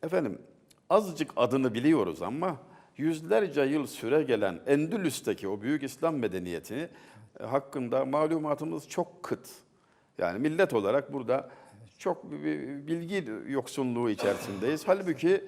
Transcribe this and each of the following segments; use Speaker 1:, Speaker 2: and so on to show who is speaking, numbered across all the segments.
Speaker 1: Efendim, azıcık adını biliyoruz ama yüzlerce yıl süre gelen Endülüs'teki o büyük İslam medeniyeti hakkında malumatımız çok kıt. Yani millet olarak burada çok bir bilgi yoksunluğu içerisindeyiz. Halbuki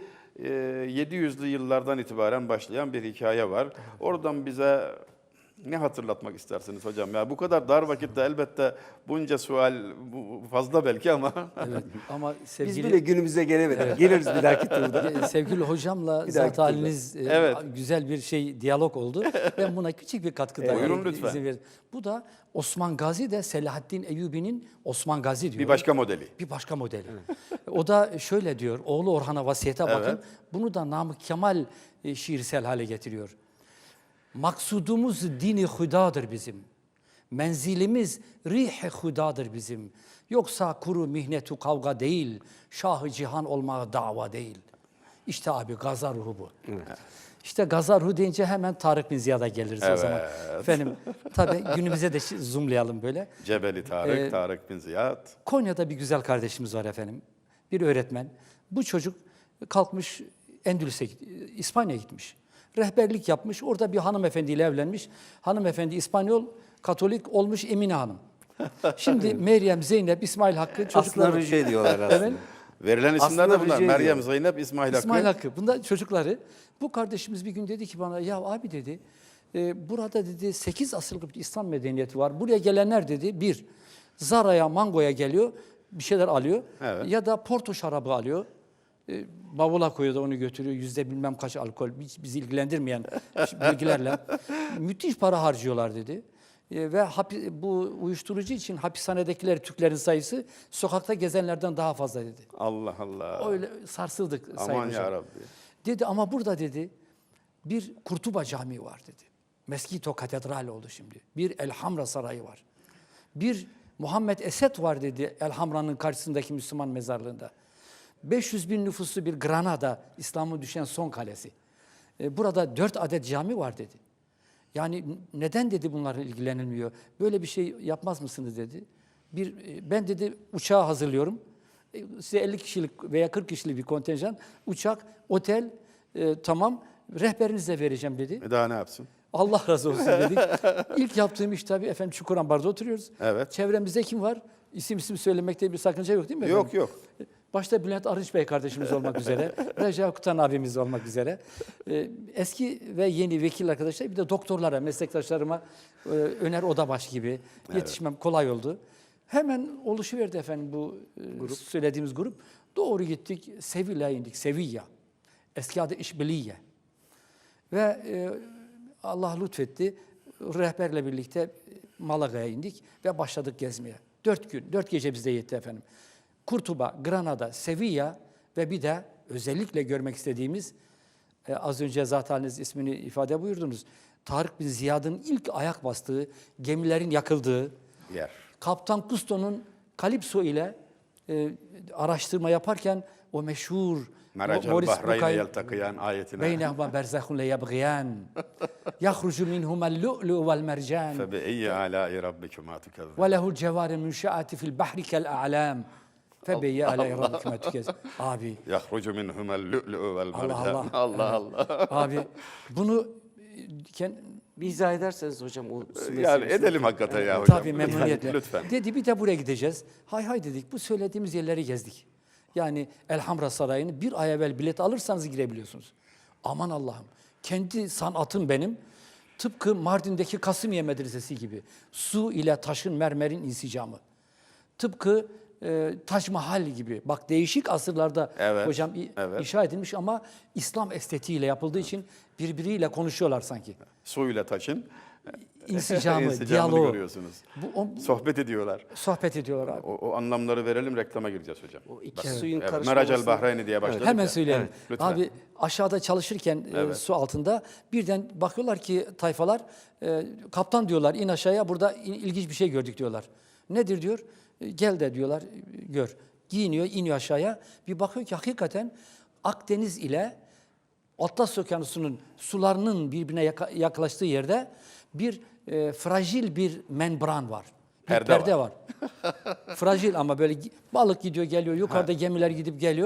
Speaker 1: 700'lü yıllardan itibaren başlayan bir hikaye var. Oradan bize ne hatırlatmak istersiniz hocam? Ya bu kadar dar vakitte elbette bunca sual fazla belki ama
Speaker 2: Evet ama
Speaker 3: Biz
Speaker 2: sevgili
Speaker 3: bile günümüze gelemedik. Geliriz bir dahaki turda.
Speaker 2: sevgili hocamla
Speaker 3: Bir
Speaker 2: zat
Speaker 3: dahaki
Speaker 2: haliniz
Speaker 1: Evet.
Speaker 2: güzel bir diyalog oldu. Ben buna küçük bir katkı daha
Speaker 1: Buyurun lütfen.
Speaker 2: izin verin. Bu da Osman Gazi de Selahaddin Eyyubi'nin Osman Gazi diyor.
Speaker 1: bir başka modeli.
Speaker 2: Bir başka modeli. O da şöyle diyor. Oğlu Orhan'a vasiyete bakın.
Speaker 1: Evet.
Speaker 2: Bunu da Namık Kemal şiirsel hale getiriyor. Maksudumuz dini hudadır bizim. Menzilimiz rih-i hudadır bizim. Yoksa kuru mihnetu kavga değil, şah-ı cihan olmaya dava değil. İşte abi gaza ruhu bu. İşte gaza ruhu deyince hemen Tarık bin Ziyad'a geliriz o zaman. Efendim tabii günümüze de zoomlayalım böyle.
Speaker 1: Cebeli Tarık, Tarık bin Ziyad.
Speaker 2: Konya'da bir güzel kardeşimiz var efendim. Bir öğretmen. Bu çocuk kalkmış Endülüs'e, İspanya'ya gitmiş. Rehberlik yapmış. Orada bir hanımefendiyle evlenmiş. Hanımefendi İspanyol, Katolik olmuş Emine Hanım. Şimdi Meryem, Zeynep, İsmail Hakkı çocukları.
Speaker 3: Aslında rüce ediyorlar aslında.
Speaker 2: Evet.
Speaker 1: Verilen isimler
Speaker 3: Aslında
Speaker 1: de bunlar.
Speaker 3: rica
Speaker 1: Meryem,
Speaker 3: ediyorum.
Speaker 1: Zeynep, İsmail Hakkı.
Speaker 2: İsmail Hakkı. Bunlar çocukları. Bu kardeşimiz bir gün dedi ki bana, ya abi dedi, burada dedi 8 asırlık bir İslam medeniyeti var. Buraya gelenler dedi, bir, Zara'ya, Mango'ya geliyor, bir şeyler alıyor.
Speaker 1: Evet.
Speaker 2: Ya da Porto şarabı alıyor. Bavula koyuyor da onu götürüyor. Yüzde bilmem kaç alkol. Bizi ilgilendirmeyen bilgilerle. Müthiş para harcıyorlar dedi. Ve bu uyuşturucu için hapishanedekiler Türklerin sayısı sokakta gezenlerden daha fazla dedi.
Speaker 1: Allah Allah.
Speaker 2: Öyle sarsıldık Sayın
Speaker 1: Aman
Speaker 2: Hocam.
Speaker 1: ya Rabbi.
Speaker 2: Dedi ama burada dedi bir Kurtuba Camii var dedi. Meskito Katedral oldu şimdi. Bir Elhamra Sarayı var. Bir Muhammed Esed var dedi Elhamra'nın karşısındaki Müslüman mezarlığında. 500 bin nüfuslu bir Granada, İslam'ın düşen son kalesi. Burada 4 adet cami var dedi. Yani neden dedi bunlarla ilgilenilmiyor? Böyle bir şey yapmaz mısınız dedi. Ben dedi uçağı hazırlıyorum. Size 50 kişilik veya 40 kişilik bir kontenjan, uçak, otel, tamam, rehberinizi de vereceğim dedi.
Speaker 1: Daha ne yapsın?
Speaker 2: Allah razı olsun dedik. İlk yaptığım iş tabii efendim Çukurambar'da oturuyoruz.
Speaker 1: Evet.
Speaker 2: Çevremizde kim var? İsim söylemekte bir sakınca yok değil mi
Speaker 1: Yok
Speaker 2: efendim?
Speaker 1: yok.
Speaker 2: Başta Bülent Arınç Bey kardeşimiz olmak üzere, Recep Kutan abimiz olmak üzere, eski ve yeni vekil arkadaşlar, bir de doktorlara, meslektaşlarıma Öner Odabaş gibi yetişmem kolay oldu. Hemen oluşuverdi efendim bu söylediğimiz grup. Doğru gittik, Sevilla'ya indik, Sevilla. Eski adı İşbiliye. Ve Allah lütfetti, rehberle birlikte Malaga'ya indik ve başladık gezmeye. 4 gün, 4 gece bizde yetti efendim. Kurtuba, Granada, Sevilla ve bir de özellikle görmek istediğimiz, az önce zaten haliniz ismini ifade buyurdunuz, Tarık bin Ziyad'ın ilk ayak bastığı, gemilerin yakıldığı,
Speaker 1: Yer.
Speaker 2: Kaptan Cousteau'nun Kalipso ile araştırma yaparken o meşhur
Speaker 1: Meracel
Speaker 2: Maurice
Speaker 1: Bahrayne
Speaker 2: Bucay
Speaker 1: yeltakiyan ayetine.
Speaker 2: beynehuma berzahun le yabgiyan yahrucu minhuma'l lu'lu vel mercan
Speaker 1: Febe eyyi alâi rabbikuma tukezzib.
Speaker 2: ve lehu'l cevâri münşe'ati fil bahri kel a'lâm febeyye alâi rabbikuma tukezzib. Abi,
Speaker 1: Yahrucu minhumel lu'lu'u vel
Speaker 2: Allah
Speaker 1: mercan.
Speaker 2: Allah.
Speaker 1: Allah Allah.
Speaker 2: abi bunu
Speaker 3: Bir izah ederseniz hocam o su
Speaker 1: Yani
Speaker 3: meselesini.
Speaker 1: edelim hakikaten ya hocam.
Speaker 2: tabii memnuniyetle.
Speaker 1: Lütfen.
Speaker 2: Dedi bir de buraya gideceğiz. Hay dedik, bu söylediğimiz yerleri gezdik. Yani Elhamra Sarayı'nı bir ay evvel bilet alırsanız girebiliyorsunuz. Aman Allah'ım, kendi sanatım benim. Tıpkı Mardin'deki Kasımiye Medresesi gibi. Su ile taşın, mermerin insicamı. Tıpkı Tac Mahal gibi. Bak değişik asırlarda
Speaker 1: Evet,
Speaker 2: hocam
Speaker 1: evet.
Speaker 2: inşa edilmiş ama İslam estetiğiyle yapıldığı için birbiriyle konuşuyorlar sanki.
Speaker 1: Suyla taşın
Speaker 2: İnsicamı, diyaloğu.
Speaker 1: görüyorsunuz.
Speaker 2: Bu,
Speaker 1: Sohbet ediyorlar.
Speaker 2: sohbet ediyorlar abi.
Speaker 1: O anlamları verelim, reklama gireceğiz hocam.
Speaker 3: O iki
Speaker 1: Bak,
Speaker 3: suyun
Speaker 1: evet,
Speaker 3: karışması.
Speaker 1: Meracel Bahrayne diye başladık
Speaker 2: Hemen
Speaker 1: ya.
Speaker 2: söyleyelim.
Speaker 1: Lütfen.
Speaker 2: Abi aşağıda çalışırken su altında birden bakıyorlar ki tayfalar kaptan diyorlar in aşağıya, burada ilginç bir şey gördük diyorlar. Nedir diyor? Gel de diyorlar gör. Giyiniyor, iniyor aşağıya. Bir bakıyor ki hakikaten Akdeniz ile Atlas Okyanusu'nun sularının birbirine yaklaştığı yerde bir fragil bir membran var. Bir
Speaker 1: Perde
Speaker 2: perde var. Fragil ama böyle balık gidiyor geliyor, yukarıda gemiler gidip geliyor.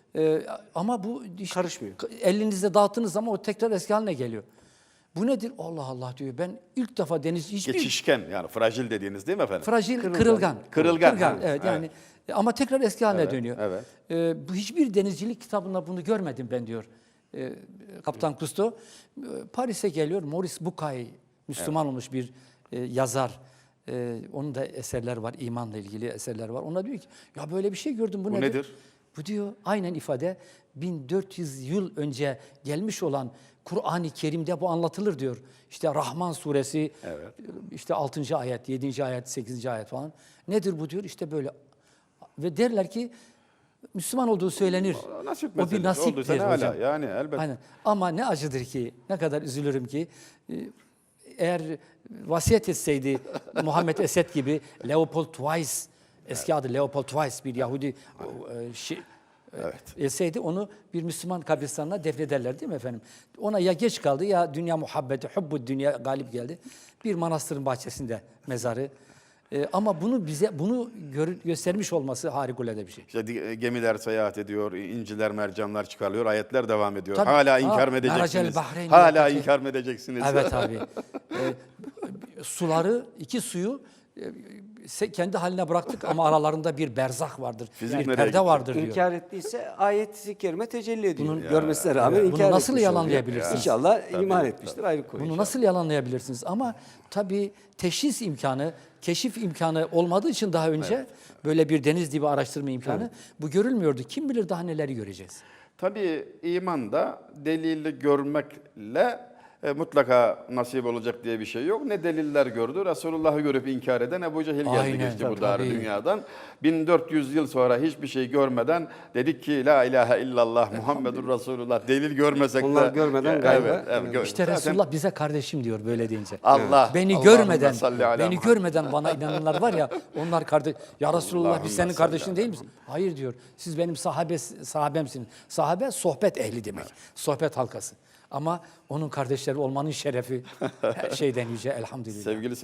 Speaker 2: Ama bu işte
Speaker 3: Karışmıyor.
Speaker 2: elinizde dağıttığınız zaman o tekrar eski haline geliyor. Bu nedir? Allah Allah diyor. Ben ilk defa deniz hiçbir
Speaker 1: Geçişken yani fragil dediğiniz değil mi efendim?
Speaker 2: fragil, kırılgan.
Speaker 1: Kırılgan, ha,
Speaker 2: Evet yani ama tekrar eski haline
Speaker 1: Evet,
Speaker 2: dönüyor.
Speaker 1: evet.
Speaker 2: Bu hiçbir denizcilik kitabında bunu görmedim ben diyor. Kaptan Cousteau. Paris'e geliyor. Maurice Bucaille, Müslüman olmuş bir yazar. Onun da eserleri var, imanla ilgili eserler var. Ona diyor ki, ya böyle bir şey gördüm, bu
Speaker 1: Bu nedir?
Speaker 2: Bu diyor, aynen ifade 1400 yıl önce gelmiş olan Kur'an-ı Kerim'de bu anlatılır diyor. İşte Rahman suresi,
Speaker 1: Evet.
Speaker 2: işte 6. ayet, 7. ayet, 8. ayet falan. Nedir bu diyor? İşte böyle. Ve derler ki Müslüman olduğu söylenir.
Speaker 1: Nasip
Speaker 2: O bir
Speaker 1: meselesi
Speaker 2: nasiptir
Speaker 1: olduysa ne
Speaker 2: hocam.
Speaker 1: hala yani elbette.
Speaker 2: Aynen. Ama ne acıdır ki, ne kadar üzülürüm ki, eğer vasiyet etseydi Muhammed Esed gibi Leopold Weiss, eski adı Leopold Weiss bir Yahudi etseydi onu bir Müslüman kabristanına defnederler değil mi efendim? Ona ya geç kaldı ya dünya muhabbeti, hubbu dünya galip geldi. Bir manastırın bahçesinde mezarı. Ama bunu bize göstermiş olması harikulade bir şey.
Speaker 1: İşte gemiler seyahat ediyor, inciler, mercanlar çıkarılıyor, ayetler devam ediyor.
Speaker 2: Tabii.
Speaker 1: Hala inkar mı
Speaker 2: Meracel
Speaker 1: edeceksiniz?
Speaker 2: Bahreyn
Speaker 1: Hala
Speaker 2: yakati.
Speaker 1: inkar mı edeceksiniz?
Speaker 2: Evet abi. Suları, iki suyu kendi haline bıraktık ama aralarında bir berzah vardır.
Speaker 1: Fizik
Speaker 2: bir
Speaker 1: nereye
Speaker 2: perde
Speaker 1: gitti?
Speaker 2: vardır diyor.
Speaker 3: İnkar ettiyse ayet-i kerime tecelli ediyor.
Speaker 2: Bunun-
Speaker 3: Görmesine rağmen
Speaker 2: Bunu
Speaker 3: inkar
Speaker 2: nasıl
Speaker 3: etmiş
Speaker 2: yalanlayabilirsiniz?
Speaker 3: oluyor. İnşallah
Speaker 1: Tabii,
Speaker 3: iman
Speaker 1: tabii.
Speaker 3: etmiştir. Ayrı konu.
Speaker 2: Bunu
Speaker 3: inşallah.
Speaker 2: nasıl yalanlayabilirsiniz? Ama tabii teşhis imkanı, keşif imkanı olmadığı için daha önce böyle bir deniz dibi araştırma imkanı bu görülmüyordu. Kim bilir daha neleri göreceğiz.
Speaker 1: Tabii iman da delili görmekle mutlaka nasip olacak diye bir şey yok. Ne deliller gördü, Resulullah'ı görüp inkar eden Ebu Cehil geldi
Speaker 2: Aynen,
Speaker 1: geçti bu
Speaker 2: tabii.
Speaker 1: dar dünyadan. 1400 yıl sonra hiçbir şey görmeden dedik ki la ilahe illallah Muhammedur Resulullah. Delil görmesek de.
Speaker 3: Onlar görmeden gayba.
Speaker 2: İşte
Speaker 1: Zaten
Speaker 2: Resulullah bize kardeşim diyor böyle deyince.
Speaker 1: Allah.
Speaker 2: Beni
Speaker 1: Allahümme
Speaker 2: görmeden,
Speaker 1: salli ala
Speaker 2: beni
Speaker 1: Muhammed.
Speaker 2: görmeden bana inananlar var ya, onlar kardeş. Ya Resulullah
Speaker 1: Allahümme
Speaker 2: biz senin
Speaker 1: salli
Speaker 2: kardeşin
Speaker 1: ala
Speaker 2: değil misin? Hayır diyor. Siz benim sahabemsiniz. Sahabe sohbet ehli demek. Sohbet halkası. Ama onun kardeşleri olmanın şerefi her şeyden yüce elhamdülillah.
Speaker 1: Sevgili